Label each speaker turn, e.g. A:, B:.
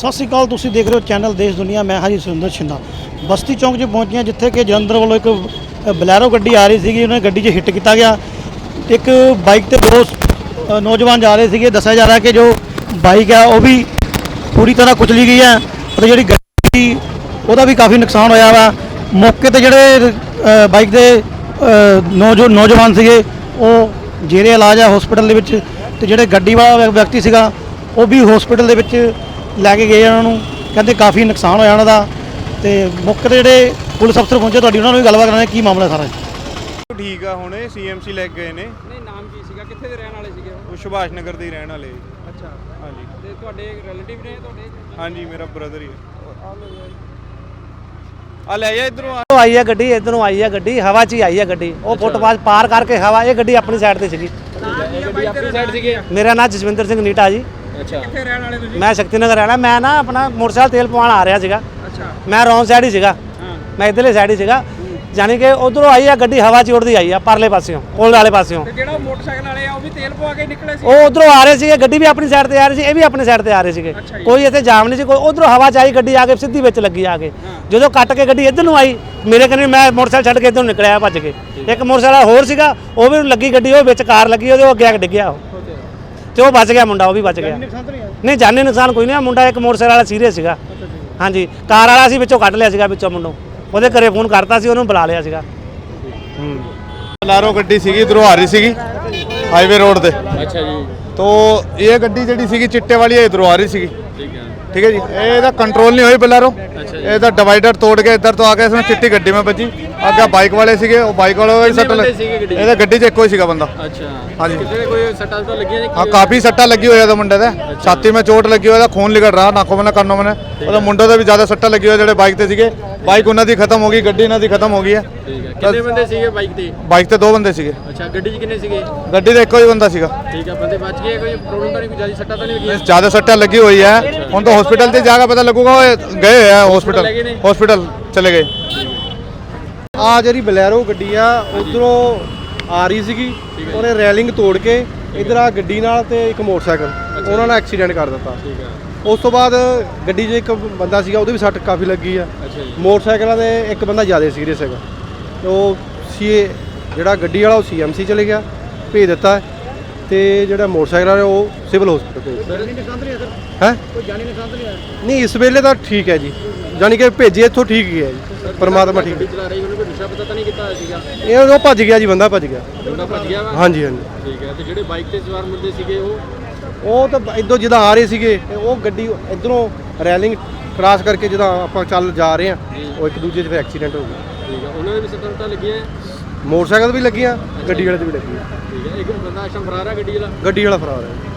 A: ਸਤਿ ਸ਼੍ਰੀ ਅਕਾਲ। ਤੁਸੀਂ ਦੇਖ ਰਹੇ ਹੋ ਚੈਨਲ ਦੇਸ਼ ਦੁਨੀਆ। मैं हाजी सुरेंद्र छिंदा बस्ती चौक 'ਚ पहुंचे हैं जिथे कि जलंधर वालों एक बलैरो गड्डी आ रही थी। उन्हें गड्डी 'ਚ हिट किया गया। एक बाइक ते दो नौजवान जा रहे थे। दसा जा रहा है कि जो बाइक है वह भी पूरी तरह कुचली गई है और जी गड्डी वह भी काफ़ी नुकसान होया वा। मौके पर जोड़े बाइक के नौजवान से वो जेरे इलाज है हॉस्पिटल के जोड़े गड्डी वाला व्यक्ति से वो भी हॉस्पिटल के लैके गए उन्होंने कहते काफ़ी नुकसान होया उन्हों का। तो मौके पर जोड़े पुलिस अफसर पहुंचे तो उन्होंने भी गलबात कराने की मामला सारा
B: ठीक है। हुणे CMC ले गए ने।
C: नहीं नाम की सीगा कित्थे दे रहन वाले सीगे
B: वो सुभाष नगर दे रहन वाले।
C: अच्छा
B: हाँ जी।
C: ते तुहाडे रिलेटिव ने तुहाडे?
B: हाँ जी मेरा ब्रदर ही है। आ ले जा इधरों
D: आई है गड्डी, इधरों आई है गड्डी, हवा च ही आई है गड्डी। वो फुटपाथ पार करके हवा ये गड्डी अपनी साइड ते सीगी।
C: गड्डी अपनी साइड सीगे।
D: मेरा नाम जसविंदर सिंह नीटा जी।
C: अच्छा कित्थे रहन वाले तुसीं?
D: मैं शक्ति नगर रहना। मैं ना अपना मोटरसाइकिल तेल पवाण आ रहा सीगा।
C: अच्छा
D: मैं रॉन्ग साइड ही सीगा।
C: हां
D: मैं इधरली साइड ही सीगा। जानी कि उधरों आई है गड्डी हवा च उड़दी आई है परले पासियों पुल वाले पासियों।
C: ते जेड़ा मोटरसाइकिल वाले आ वो भी तेल पवा के निकले सी?
D: वो उधरों आ रहे थे, गड्डी भी अपनी साइड ते आ रही थी, ये भी अपनी साइड ते आ रहे थे।
C: अच्छा जी।
D: कोई इत्थे जाम नहीं सी। कोई उधरों हवा च आई गड्डी आके सीधी विच लगी आके। जो कट के गड्डी इधर नूं आई मेरे कन्ने मैं मोटरसाइकिल छड्ड के इधर निकलिया भज के। एक मोटरसाइकिल होर सीगा वो भी लगी गड्डी, वो विच कार लगी वो अगे डिग्गिया तो वो बच गया मुंडा, वो भी बच गया। नहीं जानी नुकसान कोई नहीं। मुंडा एक मोटरसाइकिल वाला सीरीयस सीगा। हाँ जी कार वाला सी विचों कढ़ लिया सीगा विचों मुंडों। ਉਹਦੇ ਘਰੇ ਫੋਨ ਕਰਤਾ ਸੀ ਉਹਨੂੰ ਬੁਲਾ ਲਿਆ ਸੀਗਾ।
B: बलारो गड्डी सी इधरों आ रही सी हाईवे रोड से।
C: अच्छा जी।
B: तो ये गड्डी जी सी चिट्टे वाली इधरों आ रही सी।
C: ठीक है
B: ठीक है जी। ये कंट्रोल नहीं हुई बलारो। ये डिवाइडर तोड़ के इधर तो आके इसमें चिट्टी गड्डी में बची। अगे बाइक वाले सीगे वो बाइक वाले सट लगे गड्डी च एको ही सीगा बंदा।
C: अच्छा
B: हाँ जी।
C: कितने कोई सट्टा तो लगी है?
B: हाँ काफ़ी सट्टा लगी हुई है मुंडे दे। छाती में चोट लगी हुई है, खून निकल रहा नाकों में कानों में। और मुंडे से भी ज़्यादा सट्टा लगी हुई है जो बाइक से सीगे। बाइक उन्होंने खत्म हो गई, गड्डी इन्होंने खत्म हो गई है।
C: कितने बंदे सीगे बाइक ते?
B: बाइक से दो बंदे सीगे।
C: अच्छा गड्डी च कितने सीगे?
B: गड्डी से एको ही बंदा सीगा।
C: ठीक है बंदे बच गए? कोई प्रॉब्लम तो नहीं? कोई ज्यादा सट्टा तो नहीं लगी?
B: ज़्यादा सट्टा लगी हुई है। हम तो हॉस्पिटल से जाकर पता लगूगा गए हैं हॉस्पिटल चले गए।
E: ਆ ਜਿਹੜੀ ਬਲੈਰੋ ਗੱਡੀ ਆ ਉਧਰੋਂ ਆ ਰਹੀ ਸੀਗੀ। ਉਹਨੇ ਰੈਲਿੰਗ ਤੋੜ ਕੇ ਇਧਰ ਆ ਗੱਡੀ ਨਾਲ ਤੇ ਇੱਕ ਮੋਟਰਸਾਈਕਲ ਉਹਨਾਂ ਨਾਲ ਐਕਸੀਡੈਂਟ ਕਰ ਦਿੱਤਾ।
C: ठीक है
E: ਉਸ ਤੋਂ ਬਾਅਦ ਗੱਡੀ 'ਚ ਇੱਕ ਬੰਦਾ ਸੀਗਾ ਉਹਦੇ ਵੀ ਸੱਟ ਕਾਫੀ ਲੱਗੀ ਆ।
C: अच्छा जी।
E: ਮੋਟਰਸਾਈਕਲਾਂ ਦੇ ਇੱਕ ਬੰਦਾ ਜ਼ਿਆਦਾ ਸੀਰੀਅਸ ਹੈਗਾ। ਤੇ ਉਹ ਜਿਹੜਾ ਗੱਡੀ ਵਾਲਾ ਉਹ CMC ਚਲੇ ਗਿਆ ਭੇਜ ਦਿੱਤਾ ਤੇ ਜਿਹੜਾ ਮੋਟਰਸਾਈਕਲ ਵਾਲਾ ਉਹ ਸਿਵਲ ਹਸਪੀਟਲ ਭੇਜ ਦਿੱਤਾ। ਹੈ
A: कोई जानी नुकसान तो नहीं आया?
E: ਨਹੀਂ ਇਸ ਵੇਲੇ ਤਾਂ ਠੀਕ ਹੈ ਜੀ, ਜਾਨੀ ਕਿ ਭੇਜੇ ਇੱਥੋਂ ਠੀਕ ਹੀ ਹੈ ਜੀ। ਪਰਮਾਤਮਾ ਠੀਕ
C: ਗੱਡੀ ਚਲਾ ਰਹੀ ਉਹਨੇ ਕੋਈ ਨਸ਼ਾ ਪਤਾ ਤਾਂ ਨਹੀਂ ਕੀਤਾ ਹੋਇਆ ਸੀਗਾ?
E: ਇਹ ਉਹ ਭੱਜ ਗਿਆ ਜੀ, ਬੰਦਾ ਭੱਜ ਗਿਆ।
C: ਬੰਦਾ ਭੱਜ ਗਿਆ ਵਾ?
E: ਹਾਂਜੀ ਹਾਂਜੀ।
C: ਠੀਕ ਹੈ ਤੇ ਜਿਹੜੇ ਬਾਈਕ ਤੇ ਸਵਾਰ ਮੁੰਡੇ ਸੀਗੇ
E: ਉਹ ਤਾਂ ਇੱਧਰੋਂ ਜਿੱਦਾਂ ਆ ਰਹੇ ਸੀਗੇ ਤੇ ਉਹ ਗੱਡੀ ਇੱਧਰੋਂ ਰੈਲਿੰਗ ਕ੍ਰਾਸ ਕਰਕੇ ਜਿੱਦਾਂ ਆਪਾਂ ਚੱਲ ਜਾ ਰਹੇ ਆ ਉਹ ਇੱਕ ਦੂਜੇ 'ਚ ਫਿਰ ਐਕਸੀਡੈਂਟ ਹੋ ਗਿਆ।
C: ਠੀਕ ਹੈ ਉਹਨਾਂ ਦੇ ਵੀ ਸੱਟਾਂ ਲੱਗੀਆਂ?
E: ਮੋਟਰਸਾਈਕਲ ਤੇ ਵੀ ਲੱਗੀਆਂ, ਗੱਡੀ ਵਾਲੇ ਤੇ ਵੀ ਲੱਗੀਆਂ।
C: ਠੀਕ ਹੈ ਇੱਕ ਬੰਦਾ ਆਸ਼ਮ ਫਰਾਰ ਹੈ ਗੱਡੀ ਵਾਲਾ?
E: ਗੱਡੀ ਵਾਲਾ ਫਰਾਰ ਹੈ।